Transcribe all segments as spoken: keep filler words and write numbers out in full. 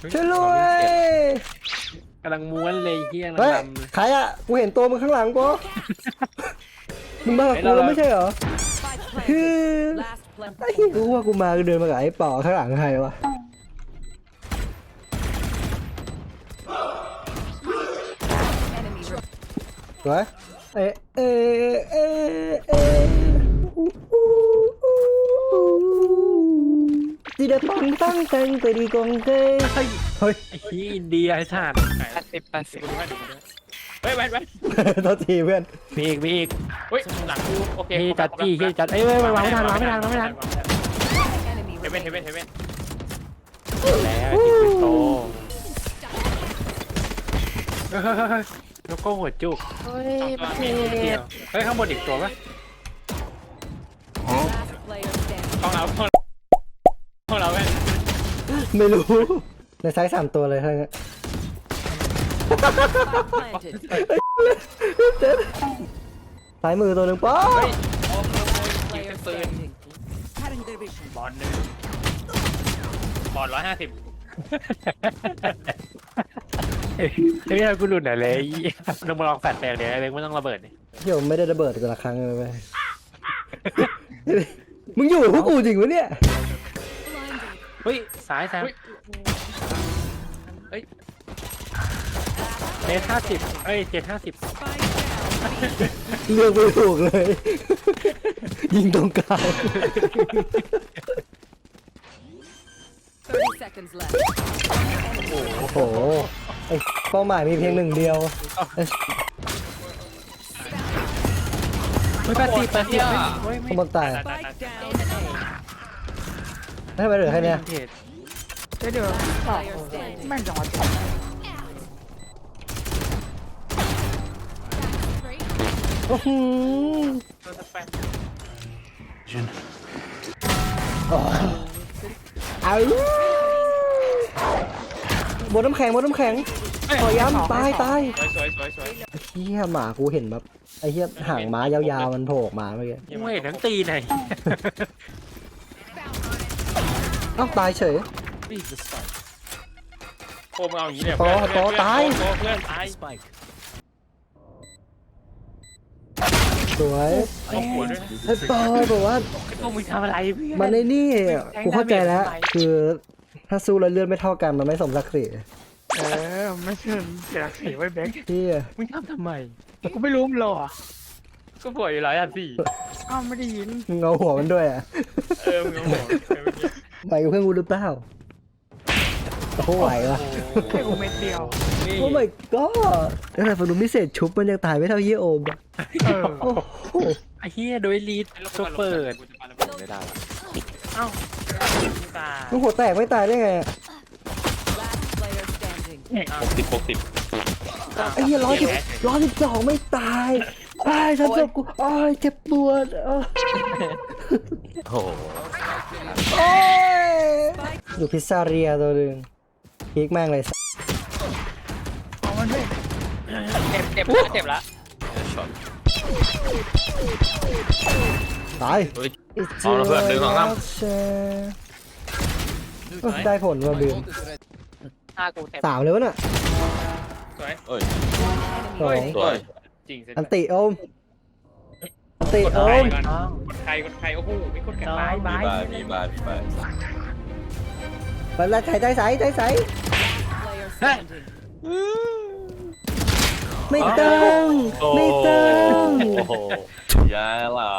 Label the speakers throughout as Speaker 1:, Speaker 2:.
Speaker 1: ช่วยด้วย
Speaker 2: กำลังม้วนเลยเฮียกำลั
Speaker 1: เฮ้
Speaker 2: ง
Speaker 1: ย
Speaker 2: ลำเลย
Speaker 1: ใครอ่ะกูเห็นตัวมึงข้างหลังกูมึงมากับกูแล้วไม่ใช่เหรอคือไอ้เหี้ยกูว่ากูมากูเดินมากับไอ้ป่อข้างหลังใครวะสวยเอ๊ะเอ๊ะเอ๊ะเอ๊ะจีเดปังตั้งแตงไปดีกงเกยเฮ้ย
Speaker 2: ไอ้เฮียอินเดียไอ้ชาติ
Speaker 3: แปดสิบแปดสิบ
Speaker 4: เฮ้ยแวนแวน
Speaker 1: โทษทีเพื่อน
Speaker 2: มีอีกมีอีก
Speaker 4: เฮ้ยหลังกูโอเค
Speaker 2: พี่จัดจี้พี่จัดเอ้ยเว้ยวางไม่ทันวางไม่ทันวางไม่ทัน
Speaker 4: เฮเว่นเฮเว่นเฮเว่น
Speaker 2: แล้วจิงโตเฮ้ยเฮ้ยเฮ้ยแล้วก็หัวจุก
Speaker 3: เฮ้ย
Speaker 4: สอง
Speaker 3: มัน
Speaker 4: ตัว
Speaker 3: เจ็บ
Speaker 2: เฮ้ยข้างบนอีกตัวปะ
Speaker 4: ของเราของเราแว่น
Speaker 1: ไม่รู้ในไซส์สามตัวเลยทั้งนั้นซ้ายมือตัวหนึ่งป๊อ
Speaker 4: เฮ้ยโอ้โหยิงเป็นปืนบอลหนึ่งบอลร้อยห้าสิบ
Speaker 2: เฮ้ยเฮ้ยกูหลุดไหนเลยลองมาลองแฟดแปลงเดี๋ยวไอ้เล็กไม่ต้องระเบิดนี่
Speaker 1: เดี๋ยวไม่ได้ระเบิดกันละครั้งเลยไปมึงอยู่กับพวกกูจริงวะเนี่ย
Speaker 2: เฮ้ยซ้ายซ้ายเจ็ดห้าสิบเอ้ยเจ็ดห้าสิบ
Speaker 1: เลือกไม่ถูกเลย ยิงตรงกลาง
Speaker 5: thirty seconds left.
Speaker 1: โอ้โหไอ้เป้าหมายมีเพียงหนึ่งเดียว
Speaker 2: ไม่แปดสิบแปดสิบเฮ้ย
Speaker 1: ข
Speaker 2: ไม่
Speaker 1: บวนตาย
Speaker 4: ตายตาย
Speaker 5: Spike
Speaker 4: ตาย
Speaker 5: down A.
Speaker 1: ให้ไปเหลือแค่เนี้ย
Speaker 2: เทรด
Speaker 3: เดี๋ยวเดี๋ยวต่อ
Speaker 5: Player standing.
Speaker 3: แม่งจังหวะจบ
Speaker 1: อื้อหือ
Speaker 4: ตัวสแปน
Speaker 1: เอาบนน้ำแข็งบนน้ำแข็งขอย้ำตายตาย
Speaker 4: สวยสวยสวยสวย
Speaker 1: เฮียหมากูเห็นแบบไอ้เฮียหางม้ายาวๆมันโผล่ออกมาเมื่อกี้
Speaker 2: กูเห็นทั้งตีไหน
Speaker 1: เอ้าตายเฉย
Speaker 4: โคมเอาอย่างนี้เนี่ย
Speaker 1: โตโตตาย
Speaker 4: โตเพื่อนตาย
Speaker 1: สวย
Speaker 4: เอาหัวด้วยนะ
Speaker 1: ไอ้ปอยบอกว่า
Speaker 2: พวกมึงทำอะไรเพื่อน
Speaker 1: มันในนี่กูเข้าใจแล้ว คือถ้าสู้แล้วเลือดไม่เท่ากันมันไม่สมศักดิ์ศรี
Speaker 3: เออไม่เชิญเสียสีไว้แบงค์
Speaker 1: ที่
Speaker 2: มึงทำทำไม
Speaker 3: กูไม่รู้มันหรอ
Speaker 4: ก็ป่วยอยู่ร้อยอันสี่
Speaker 3: อ้าวไม่ได้ยิน
Speaker 1: มึงเอาหัวมันด้วยอ่ะ
Speaker 4: เออมึงเอาหัวเออเมื่อกี้
Speaker 1: ไปกับเพื่อนกูหรือเปล่าโอ้โหไหววะ
Speaker 3: แค่กูเม็ดเดียว
Speaker 4: นี่
Speaker 1: โอ้ my god แล้วแต่ฝันดูพิเศษชุบมันยังตายไม่เท่าเยี่ยโอมอะ
Speaker 3: เออ
Speaker 1: โอ้โห
Speaker 2: ไอ้เฮียโดยลีดตัวเปิดไม่ได้
Speaker 4: เอ้าตาย
Speaker 1: มึงหัวแตกไม่ตายได้ไงอะ
Speaker 5: Last player standing.
Speaker 4: หกสิบหกสิบ
Speaker 1: ไอ้เหี้ยร้อยสิบร้อยสิบสองไม่ตายไอ้ฉันจบกูไอ้เจ็บปวดอ้าว
Speaker 2: โอ้
Speaker 1: โอ้ยอยู่พิซซ่าเรียตัวหนึ่งพีกแม่งเลย
Speaker 3: เอามันด้วย
Speaker 4: เจ็บเจ็บละเจ็บละ
Speaker 1: ตาย
Speaker 4: เอาละเพื่อนหนึ่งสองสาม
Speaker 1: เอ้ยได้ผลมาบีม
Speaker 4: หน้ากูเต็ม
Speaker 1: สามเลยวะน่ะ
Speaker 4: สวย
Speaker 1: สอง
Speaker 4: สวยจริงเสร็จ
Speaker 1: อันติโอมอันติ
Speaker 4: กด
Speaker 1: โอ
Speaker 4: ใคร
Speaker 1: ม
Speaker 4: ก่อนกดใครกดใครโอ้โหไม่กดกัน
Speaker 2: บายบาย
Speaker 6: มีบาร์มีบาร์
Speaker 1: ไปแล้วใส่ใจใส่ใจใส่
Speaker 5: Player standing.
Speaker 1: ไม่ต้องไม่ต้อง
Speaker 6: โอ้โหยาเหล่า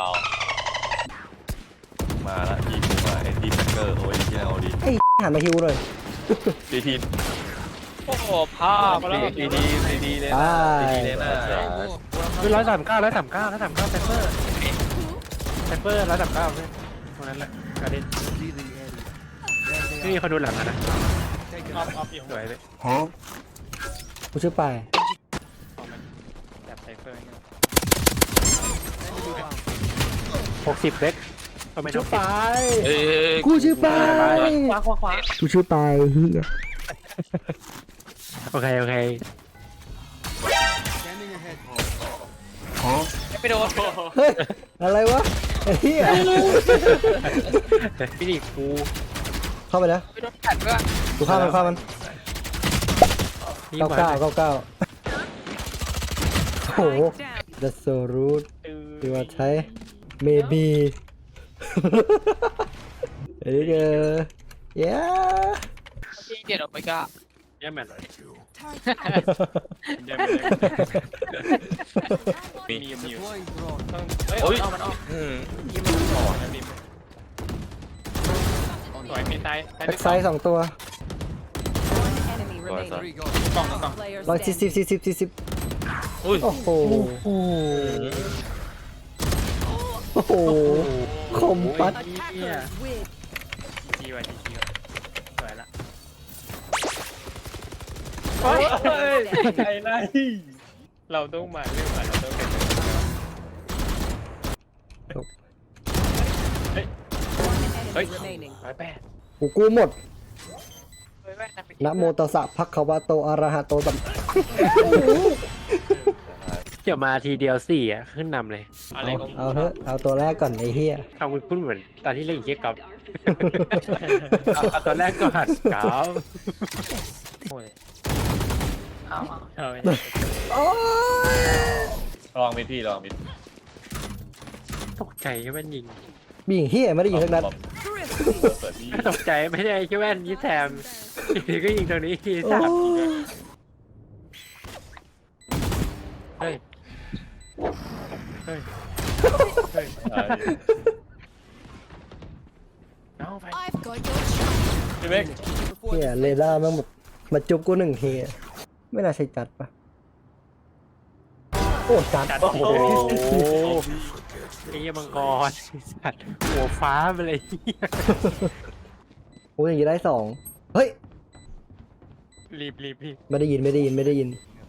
Speaker 6: มาละยิงมาไอ้ทีแฟกเกอร์โอ้ยที่เอาดี
Speaker 1: ไอ้หันมาฮิวหน่อย
Speaker 6: ทีที
Speaker 4: โอ้โหภาพแล้ว
Speaker 6: ทีทีทีทีเลยนะทีทีเลยนะ
Speaker 2: คือร้อยสามเก้าร้อยสามเก้าร้อยสามเก้าเซฟเฟอร์เซฟเฟอร์ร้อยสามเก้าเพื่อนตรงนั้นแหละการเด่นนี่เขาดูหลังนะ
Speaker 4: ออฟออฟอยู่
Speaker 2: สวยเลย
Speaker 1: กูชื่อปาย
Speaker 4: แบบไซเฟอร์เนี่ย
Speaker 2: หกสิบเล็กก็ไม่ต้
Speaker 1: ชื่
Speaker 2: อ
Speaker 1: อง ปาย
Speaker 6: เอ้ย
Speaker 1: กูชื่อปาย
Speaker 4: ขวาขวาขวา
Speaker 1: กูชื่อปายเฮีย
Speaker 2: โอเคโอเค
Speaker 4: ไม่โดน
Speaker 1: เฮ้ยอะไรวะไอ้เฮีย
Speaker 2: พี่ดิกู
Speaker 1: เข้าไปแล้ว
Speaker 4: ไม่โดนแผดด้วย
Speaker 1: กูฆ่ามันฆ่ามัน
Speaker 2: นี่
Speaker 1: เก้า
Speaker 2: มา
Speaker 1: เก้าเก้าเก้าโอ้โห
Speaker 5: Spike down.
Speaker 1: that's so rude ที่ว่าใช้ maybe เอ้ยเออ yeah
Speaker 4: พี่เกียรติโอเมก้า
Speaker 2: แย่แมนเลย
Speaker 4: เดี๋ยวมีมีมีต้องเฮ้ย
Speaker 6: โอ้ย
Speaker 4: เอามันออก
Speaker 6: อืม
Speaker 4: ยิงมันออกนะพี่สวยมีตายตาย
Speaker 1: แบ็กไซด์สองตัว
Speaker 5: One enemy remaining.
Speaker 4: กล่องกล่อง
Speaker 5: Player
Speaker 1: ร้อยสี่สิบ
Speaker 5: standing.
Speaker 1: สี่สิบสี่สิบ
Speaker 6: อุ้ย
Speaker 1: โอ้โหโอ้โหคมปัด
Speaker 5: Attackers win.
Speaker 4: จีไว้จีจีสวยละ
Speaker 5: เฮ้ย
Speaker 4: ไอ้ไรเราต้องมาเรื่องมาเราต้องเป็น
Speaker 5: One enemy remaining.
Speaker 4: ร้อยแปด
Speaker 1: กูกู้หมด
Speaker 4: เฮ้ยแม่นะ
Speaker 1: นะโมตัสสะภะคะวะโตอะระหะโตสัม
Speaker 2: เดี๋ยวมาทีเดียวสี่อ่ะขึ้นนำเลย
Speaker 4: อะไร
Speaker 1: เอา
Speaker 4: ของ
Speaker 1: เอาเถอะเอาตัวแรกก่อนไอ้เหี้ย
Speaker 2: ทำคุณพูดเหมือนตอนที่เล่นเกียร์กับเอาตอนแรกก็หัดกาว
Speaker 4: โอ้ยเอาเอา
Speaker 1: โอ้ย
Speaker 6: ลองมิดพี่ลองมิด
Speaker 2: ตกใจแค่แว่นยิง
Speaker 1: บีงเหี้ยไม่ได้ยิงสักนัด
Speaker 6: บอม
Speaker 5: Thrifty.
Speaker 6: เปิดพี่
Speaker 2: ตกใจไม่ได้แค่แว่นยี่แถมทีก็ยิงตรงนี้ที
Speaker 1: โอ้
Speaker 2: สาม
Speaker 1: ย
Speaker 2: เฮ้ยเฮ้ย
Speaker 6: ใช่
Speaker 2: เอาไป
Speaker 5: I've got your track.
Speaker 6: พี่เมก
Speaker 1: เหี้ยเรดาร์แม่งหมดมาจุบกูหนึ่งทีไม่น่าใช่จัดปะโอ้จัด
Speaker 2: โอ้โหไอ้เหี้ยมังกรสัตว์หัวฟ้าไปเลย
Speaker 1: โอ้ยอย่างนี้ได้สองเฮ้ย
Speaker 2: รีบรีบพี่
Speaker 1: ไม่ได้ยินไม่ได้ยินไม่ได้ยิน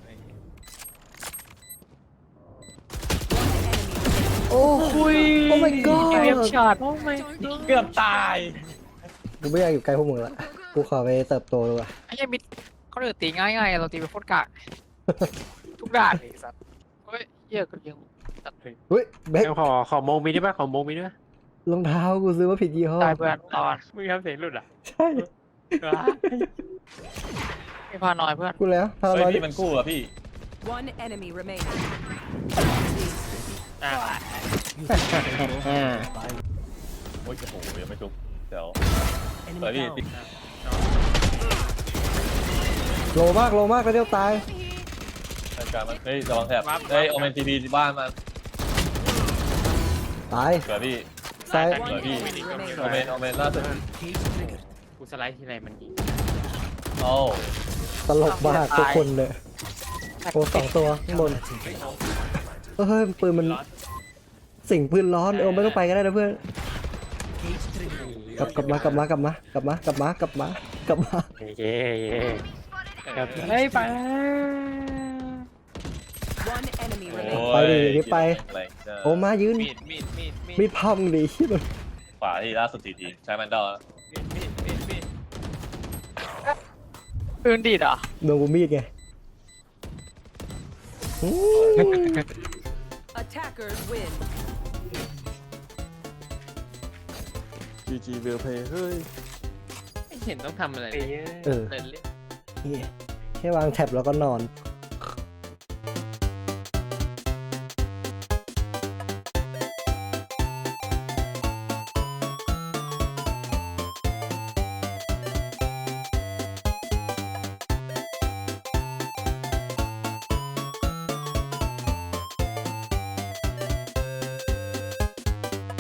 Speaker 1: โอ้ยโอ้ my
Speaker 4: เรียบ
Speaker 1: god
Speaker 4: ช็อตเกือบตาย
Speaker 1: กูไม่อยากอยู่ใกล้พวกมึงละกูขอไปเติบโตดีกว่า
Speaker 4: ไอ้ยังมิดเขาเดือดตีง่ายๆเราตีไปโคตรกากทุกด่านเลยสัตว์เฮ้ยเยอะกันเยอะ
Speaker 1: เฮ้ยแบ็ค
Speaker 2: เอาขอขอโมงมีได้ป่ะขอโมงมีด้วย
Speaker 1: รองเท้ากูซื้อมาผิดยี่ห้อ
Speaker 4: ตายเพื่อนตอนมึงทำเสียงหลุดอ่ะ
Speaker 1: ใช่
Speaker 4: ไม่พาน้อยเพื่อน
Speaker 1: กูแล้วพา
Speaker 6: เฮ้ย
Speaker 1: ร้อย
Speaker 6: พี่มันกู้อะพี่
Speaker 5: One enemy remaining.
Speaker 4: อ่ะ
Speaker 6: โอ้ยโอ้โหยังไม่จุกเดี๋ยวเปิดพี่ติ๊ก
Speaker 1: โลมากโลมากแล้วเดี๋ยวตาย
Speaker 6: รายการมันเฮ้ยระวังแถบเฮ้ยเอาเมนทีดีที่บ้านมัน
Speaker 1: ตาย
Speaker 6: เปิดพี่
Speaker 1: ซ้าย
Speaker 5: One enemy remaining.
Speaker 6: เอาเมนเอาเมนล่าสุด
Speaker 4: กูสไลด์ทีไรมันยิง
Speaker 6: โอ้
Speaker 1: ตลกมากทุกคนเลยโอ้สองตัวข้างบนเฮ้ยปืนมันสิ่งปืนร้อนเออไม่ต้องไปก็ได้นะเพื่อนกลับกลับมากลับมากลับมากลับมากลับมากลับมากลับมา
Speaker 2: เย่เย่ครับเฮ้ยไป
Speaker 5: One enemy
Speaker 6: โห
Speaker 5: remaining.
Speaker 1: ไปดิดิไป
Speaker 6: แรงจัง
Speaker 1: โอ้มายืน
Speaker 4: มีดมีดมีดมีด
Speaker 1: มีดพังดิ
Speaker 6: ขวาที่ล่าสุดทีทีใช้แมนดอล
Speaker 4: มีดมีดมีดมีดปืนดีดเหรอ
Speaker 1: โดนกูมีดไงอืม
Speaker 5: Attackers win.
Speaker 6: จีจีเวลเพย์เฮ้ย
Speaker 4: ไม่เห็นต้องทำอะไร
Speaker 2: เอ้
Speaker 4: เลย
Speaker 2: ย
Speaker 1: เออ
Speaker 4: เล่นเล่น
Speaker 1: เหี้ยแค่วางแท็บแล้วก็นอน
Speaker 5: One